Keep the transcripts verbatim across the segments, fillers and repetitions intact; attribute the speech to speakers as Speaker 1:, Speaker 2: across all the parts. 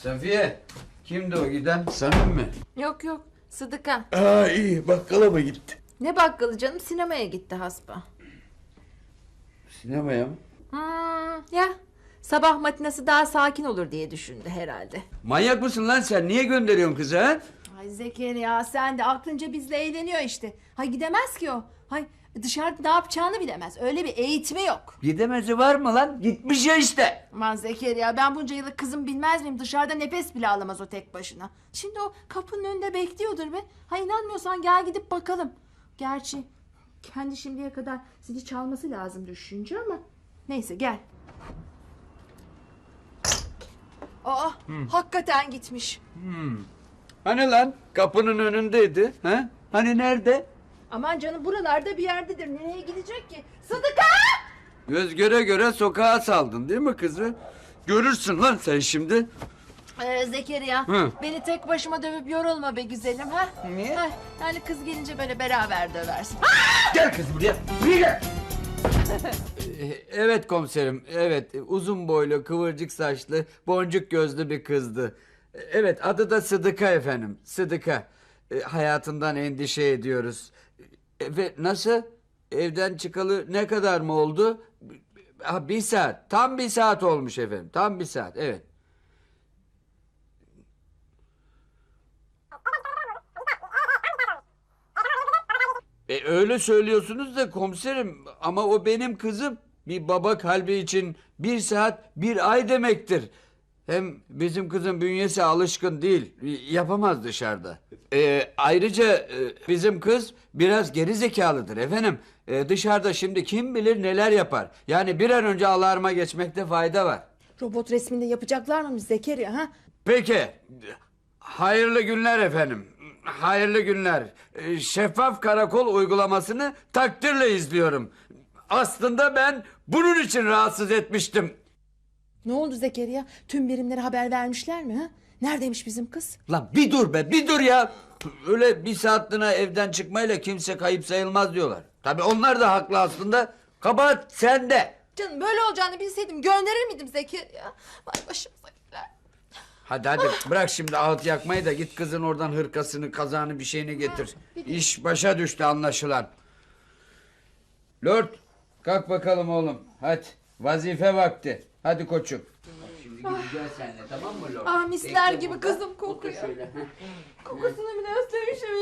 Speaker 1: Safiye, kimdi o giden? Samim mi?
Speaker 2: Yok yok, Sıdıka.
Speaker 3: Aa iyi, bakkala mı gitti?
Speaker 2: Ne bakkalı canım, sinemaya gitti hasba.
Speaker 1: Sinemaya mı?
Speaker 2: Hmm, ya sabah matinası daha sakin olur diye düşündü herhalde.
Speaker 1: Manyak mısın lan sen? Niye gönderiyorsun kızı ha?
Speaker 2: Ay Zekeriya, sen de aklınca bizle eğleniyor işte. Hay gidemez ki o. Hay dışarıda ne yapacağını bilemez. Öyle bir eğitimi yok.
Speaker 1: Gidemezi var mı lan? Gitmiş ya işte.
Speaker 2: Aman Zekeriya, ben bunca yıllık kızım bilmez miyim? Dışarıda nefes bile alamaz o tek başına. Şimdi o kapının önünde bekliyordur be. Ha inanmıyorsan gel gidip bakalım. Gerçi kendi şimdiye kadar zili çalması lazım düşünce ama. Neyse gel. Aa hakikaten gitmiş.
Speaker 1: Hani lan? Kapının önündeydi. Ha? Hani nerede?
Speaker 2: Aman canım, buralarda bir yerdedir. Nereye gidecek ki? Sıdıka!
Speaker 1: Göz göre göre sokağa saldın değil mi kızı? Görürsün lan sen şimdi.
Speaker 2: Ee, Zekeriya,
Speaker 1: Hı.
Speaker 2: beni tek başıma dövüp yorulma be güzelim ha.
Speaker 1: Niye?
Speaker 2: Ha, yani kız gelince böyle beraber döversin.
Speaker 1: Gel kız buraya. Buraya gel. Evet komiserim. Evet, uzun boylu, kıvırcık saçlı, boncuk gözlü bir kızdı. Evet, adı da Sıdıka efendim. Sıdıka. E, hayatından endişe ediyoruz. E, ve nasıl? Evden çıkalı ne kadar mı oldu? Ha, bir saat. Tam bir saat olmuş efendim. Tam bir saat. Evet. E, öyle söylüyorsunuz da komiserim, ama o benim kızım. Bir baba kalbi için bir saat bir ay demektir. Hem bizim kızın bünyesi alışkın değil. Yapamaz dışarıda. E, ayrıca e, bizim kız biraz geri zekalıdır efendim. E, dışarıda şimdi kim bilir neler yapar. Yani bir an önce alarma geçmekte fayda var.
Speaker 2: Robot resminde yapacaklar mı Zekeriya ha?
Speaker 1: Peki. Hayırlı günler efendim. Hayırlı günler. Ee, Şeffaf karakol uygulamasını takdirle izliyorum. Aslında ben bunun için rahatsız etmiştim.
Speaker 2: Ne oldu Zekeriya? Tüm birimlere haber vermişler mi ha? Neredeymiş bizim kız?
Speaker 1: Lan bir dur be, bir dur ya. Öyle bir saatliğine evden çıkmayla kimse kayıp sayılmaz diyorlar. Tabii onlar da haklı aslında. Kabahat sende.
Speaker 2: Canım böyle olacağını bilseydim gönderir miydim Zekeriya? Vay başımızakiler.
Speaker 1: Hadi hadi bırak şimdi ağıt yakmayı da git kızın oradan hırkasını, kazağını, bir şeyini getir. İş başa düştü anlaşılan. Lord, kalk bakalım oğlum. Hadi vazife vakti. Hadi koçum. Şimdi gideceğiz seninle, tamam mı Lord?
Speaker 2: Ah misler
Speaker 1: Bekle
Speaker 2: gibi
Speaker 1: burada.
Speaker 2: kızım
Speaker 1: Otur
Speaker 2: kokuyor.
Speaker 1: şöyle.
Speaker 2: Kokusunu bile özlemişim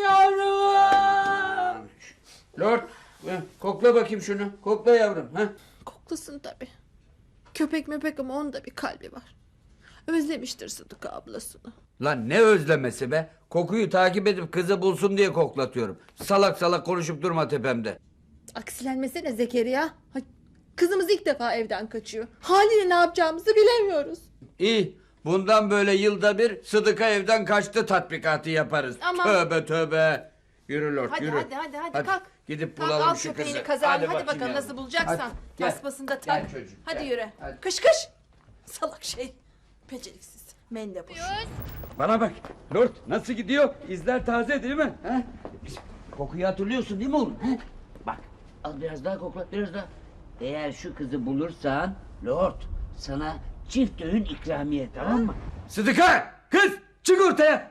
Speaker 2: yavrum.
Speaker 1: Lord, kokla bakayım şunu. Kokla yavrum. Ha?
Speaker 2: Koklasın tabii. Köpek möpek ama onun da bir kalbi var. Özlemiştir Sıdıka ablasını.
Speaker 1: Lan ne özlemesi be? Kokuyu takip edip kızı bulsun diye koklatıyorum. Salak salak konuşup durma tepemde.
Speaker 2: Aksilenmesene Zekeriya. Hay, kızımız ilk defa evden kaçıyor. Haliyle ne yapacağımızı bilemiyoruz.
Speaker 1: İyi. Bundan böyle yılda bir Sıdıka evden kaçtı tatbikatı yaparız.
Speaker 2: Aman.
Speaker 1: Tövbe tövbe. Yürü Lord
Speaker 2: Hadi
Speaker 1: yürü.
Speaker 2: hadi hadi hadi, kalk.
Speaker 1: Gidip
Speaker 2: Kalk,
Speaker 1: bulalım
Speaker 2: al
Speaker 1: şu
Speaker 2: köpeğini,
Speaker 1: kızı.
Speaker 2: kazağını. Hadi,
Speaker 1: bakayım
Speaker 2: bakalım
Speaker 1: yavrum.
Speaker 2: nasıl bulacaksan.
Speaker 1: Hadi, gel.
Speaker 2: Tasmasını da tak.
Speaker 1: Gel çocuğum,
Speaker 2: Hadi
Speaker 1: gel.
Speaker 2: yürü.
Speaker 1: Hadi.
Speaker 2: Kış kış. Salak şey. Beceriksiz. Mendebur.
Speaker 1: Bana bak. Lord nasıl gidiyor? İzler taze değil mi? Ha? Kokuyu hatırlıyorsun değil mi oğlum? Ha?
Speaker 4: Bak, al biraz daha kokla, biraz daha. Eğer şu kızı bulursan, Lord, sana çift öğün ikramiye, tamam mı?
Speaker 1: Sıdıka! Kız! Çık ortaya!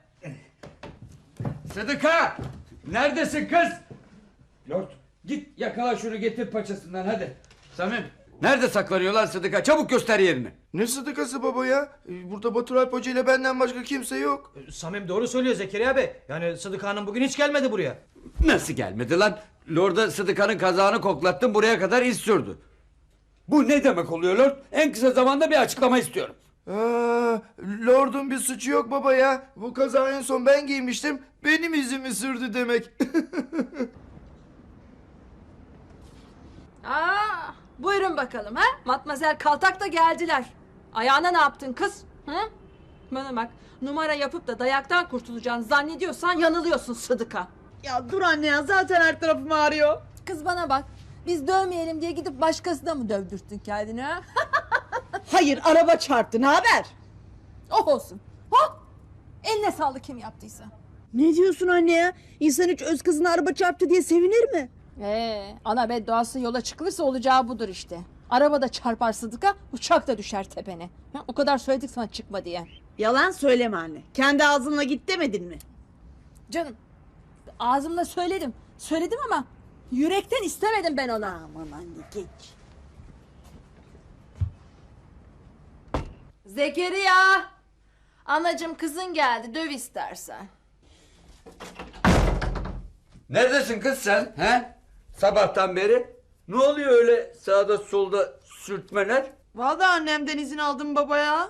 Speaker 1: Sıdıka! Neredesin kız? Lord git yakala şunu, getir paçasından hadi. Samim nerede saklanıyorlar Sıdıka? Çabuk göster yerini.
Speaker 3: Ne sıdıkası baba ya? Ee, Burada Batur Alp Hoca ile benden başka kimse yok.
Speaker 5: Samim doğru söylüyor Zekeriya Bey. Yani Sıdıka Hanım bugün hiç gelmedi buraya.
Speaker 1: Nasıl gelmedi lan? Lord'a Sıdıka'nın kazağını koklattım, buraya kadar iz sürdü. Bu ne demek oluyor Lord? En kısa zamanda bir açıklama istiyorum.
Speaker 3: Aa, Lord'un bir suçu yok baba ya. Bu kazağı en son ben giymiştim. Benim izimi sürdü demek.
Speaker 2: Aa, buyurun bakalım ha. Matmazel Kaltak da geldiler. Ayağına ne yaptın kız? Hı? Bana bak, numara yapıp da dayaktan kurtulacağını zannediyorsan yanılıyorsun Sıdıka.
Speaker 6: Ya dur anne ya, zaten her tarafım ağrıyor.
Speaker 2: Kız bana bak, biz dövmeyelim diye gidip başkasına mı dövdürttün kendini ha?
Speaker 6: Hayır, araba çarptı, ne haber?
Speaker 2: Oh olsun. Ha? Eline sağlık kim yaptıysa.
Speaker 6: Ne diyorsun anne ya? İnsan hiç öz kızına araba çarptı diye sevinir mi?
Speaker 2: Ee, ana bedduası yola çıkılırsa olacağı budur işte. Araba da çarpar Sıdıka, uçak da düşer tepene. Ha, o kadar söyledik sana çıkma diye.
Speaker 6: Yalan söyleme anne. Kendi ağzınla git demedin mi?
Speaker 2: Canım ağzımla söyledim. Söyledim ama yürekten istemedim ben ona.
Speaker 6: Aman anne geç.
Speaker 2: Zekeriya! Anacığım kızın geldi, döv istersen.
Speaker 1: Neredesin kız sen? He? Sabahtan beri. Ne oluyor öyle sağda solda sürtmeler?
Speaker 6: Vallahi annemden izin aldım baba ya.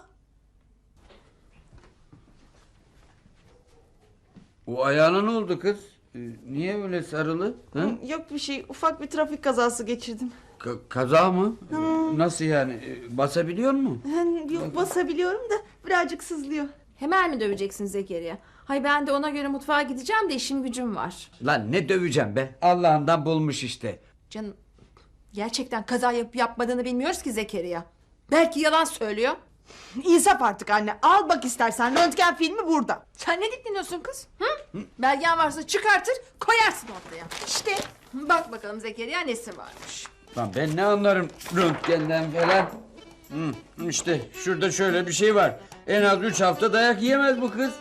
Speaker 1: O ayağına ne oldu kız? Ee, niye öyle sarılı? Hı?
Speaker 6: Yok bir şey, ufak bir trafik kazası geçirdim.
Speaker 1: Ka- kaza mı? Nasıl yani? Ee, Basabiliyor mu?
Speaker 6: Yok basabiliyorum da birazcık sızlıyor.
Speaker 2: Hemen mi döveceksin Zekeriya? Hay ben de ona göre mutfağa gideceğim de işim gücüm var.
Speaker 1: Lan ne döveceğim be? Allah'ından bulmuş işte.
Speaker 2: Canım gerçekten kaza yapıp yapmadığını bilmiyoruz ki Zekeriya. Belki yalan söylüyor.
Speaker 6: İnsaf artık anne. Al bak istersen, röntgen filmi burada.
Speaker 2: Sen ne dikleniyorsun kız? Hı? Belgen varsa çıkartır koyarsın ortaya. İşte bak bakalım Zekeriya nesi varmış.
Speaker 1: Lan ben ne anlarım röntgenden falan. Hı, işte şurada şöyle bir şey var. En az üç hafta dayak yiyemez bu kız.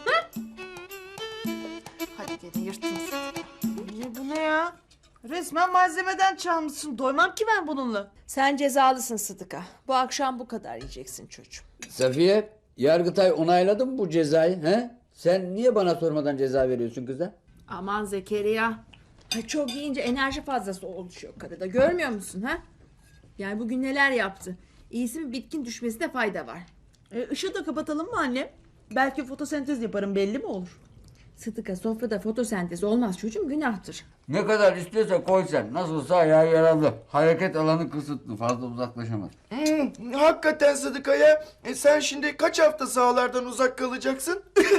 Speaker 2: Hadi gene yırttın.
Speaker 6: Ne bu ne ya? Resmen malzemeden çalmışsın. Doymam ki ben bununla.
Speaker 2: Sen cezalısın Sıdıka. Bu akşam bu kadar yiyeceksin çocuğum.
Speaker 1: Safiye, Yargıtay onayladı mı bu cezayı? He? Sen niye bana sormadan ceza veriyorsun kıza?
Speaker 2: Aman Zekeriya. Ha, çok yiyince enerji fazlası oluşuyor karıda. Görmüyor musun ha? Yani bugün neler yaptı? İyisi mi bitkin düşmesine fayda var.
Speaker 6: E, ışığı da kapatalım mı anne? Belki fotosentez yaparım, belli mi olur?
Speaker 2: Sıdıka sofrada fotosentez olmaz çocuğum, günahtır.
Speaker 1: Ne kadar istiyorsa koy sen. Nasılsa ayağı yaralı. Hareket alanı kısıtlı. Fazla uzaklaşamaz.
Speaker 3: Hmm, hakikaten Sıdıka ya. E sen şimdi kaç hafta sahalardan uzak kalacaksın?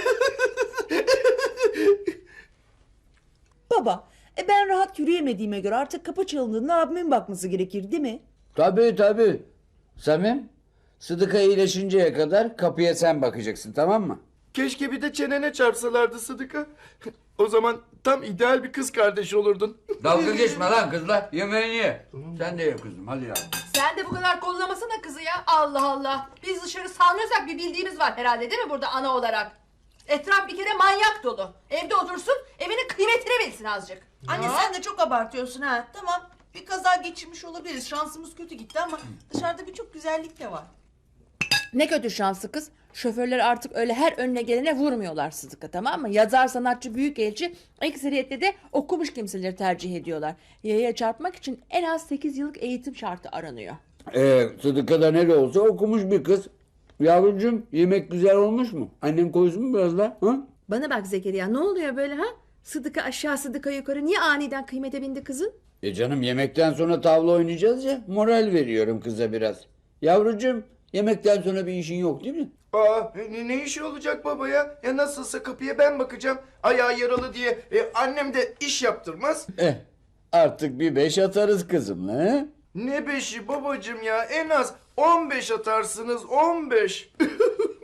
Speaker 6: Baba, e ben rahat yürüyemediğime göre artık kapı çalındığında abimin bakması gerekir değil mi?
Speaker 1: Tabii tabii. Samim, Sıdıka iyileşinceye kadar kapıya sen bakacaksın, tamam mı?
Speaker 3: Keşke bir de çenene çarpsalardı Sıdıka. O zaman tam ideal bir kız kardeş olurdun.
Speaker 1: Dalga geçme lan kızla. Yemeğini ye. Sen de ye kızım, hadi ya.
Speaker 2: Sen de bu kadar kollamasana kızı ya. Allah Allah. Biz dışarı salmıyorsak bir bildiğimiz var herhalde değil mi burada ana olarak? Etraf bir kere manyak dolu. Evde otursun, evinin kıymetini bilsin azıcık.
Speaker 6: Anne sen de çok abartıyorsun ha. Tamam, bir kaza geçirmiş olabiliriz. Şansımız kötü gitti ama dışarıda birçok güzellik de var.
Speaker 2: Ne kötü şanslı kız. Şoförler artık öyle her önüne gelene vurmuyorlar Sıdıka, tamam mı? Yazar, sanatçı, büyükelçi ekseriyetle de okumuş kimseleri tercih ediyorlar. Yaya çarpmak için en az sekiz yıllık eğitim şartı aranıyor.
Speaker 1: Ee, Sıdıka da ne de olsa okumuş bir kız. Yavrucuğum, yemek güzel olmuş mu? Annem koysun mu biraz daha? Ha?
Speaker 2: Bana bak Zekeriya, ne oluyor böyle ha? Sıdıka aşağı Sıdıka yukarı, niye aniden kıymete bindi kızın?
Speaker 1: E canım, yemekten sonra tavla oynayacağız ya. Moral veriyorum kıza biraz. Yavrucuğum, yemekten sonra bir işin yok değil mi?
Speaker 3: Aa, ne, ne işi olacak baba ya? Ya nasılsa kapıya ben bakacağım. Ayağı yaralı diye e, annem de iş yaptırmaz.
Speaker 1: Eh, artık bir beş atarız kızımla, he?
Speaker 3: Ne beşi babacığım ya? En az on beş atarsınız, on beş.